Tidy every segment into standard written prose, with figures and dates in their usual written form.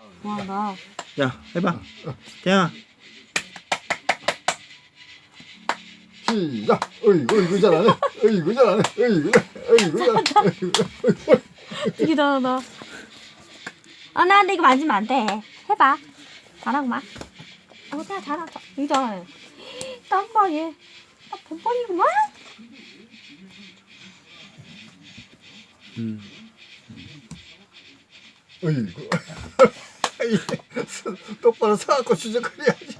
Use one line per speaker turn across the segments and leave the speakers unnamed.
와, 나.
야, 해봐. 태양아.
시작. 어이구 잘하네. 어이구 잘하네. 어이구 잘하네.
되게 잘한다. 아, 나 근데 이거 만지면 안 돼. 해봐. 잘하구만. 그냥 잘한다. 이거 잘하네. 땀봐, 얘. 아, bon번이구만?
어이구. 똑바로 서갖고 추적거려야지.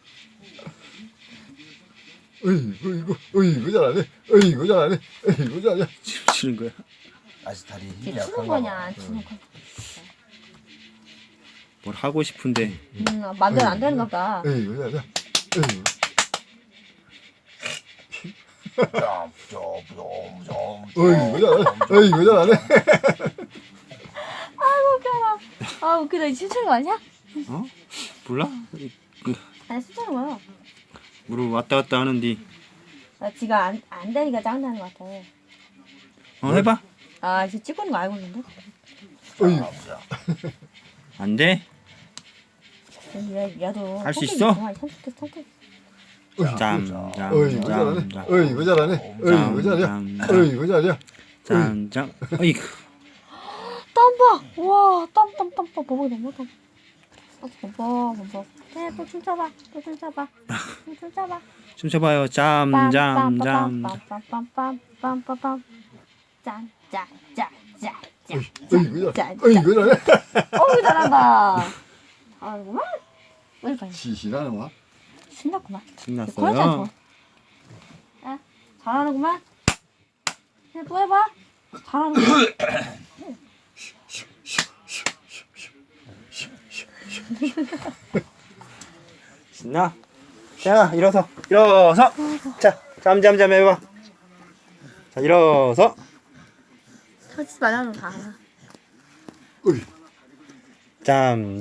어이구 잘하네. 어이구 잘하네. 어이구 잘하네.
지금 치는 거야?
아직 다리
이게
힘이
추는
약한가
거냐,
봐.
안 추는 거냐.
뭘 하고 싶은데.
맘대로 안 되는가 보다.
어이구 잘하네. 어이구. 어이구 잘하네. 어이구 잘하네.
아이고, 웃겨라. 아, 웃기다. 이거 춤추는 거 아니야?
어? 몰라?
아니, 춤추는 거야.
무릎 왔다 갔다 하는데.
나 지가 안 되니까 짱나는 것 같아.
해봐.
아, 지금 찍고 있는 거 알고 있는데?
어이구.
안 돼?
얘도.
할수 있어?
선택.
짬,
어이구 잘하네. 어이구 잘하네. 어이구 잘하네. 어이구 잘하네.
짠. 어이구.
땀 봐! 와, 땀 봐. 봐봐, 너무 땀. 봐봐. 또 춤춰봐.
춤춰봐요. 짬.
빰빰빰빰빰빰빰빰빰.
어이구 잘하네. 어이구 잘하네.
어우, 잘한다. 잘하는구만. 왜 빨리
시시하네 뭐.
신났구만.
신났어요.
야, 잘하는구만. 또 해봐. 잘하는구만.
신나? 태양아, 일어서. 자, 짬 해봐. 자, 일어서.
터지지 말라는 거 다 알아.
어이.
짬.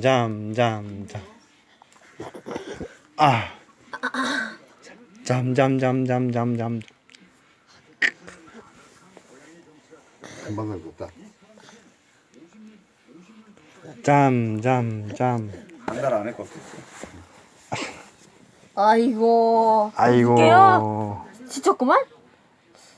아. 짬.
금방 늙었다.
짬.
한 달 안에 껐어.
아이고.
아이고.
웃겨요? 지쳤구만?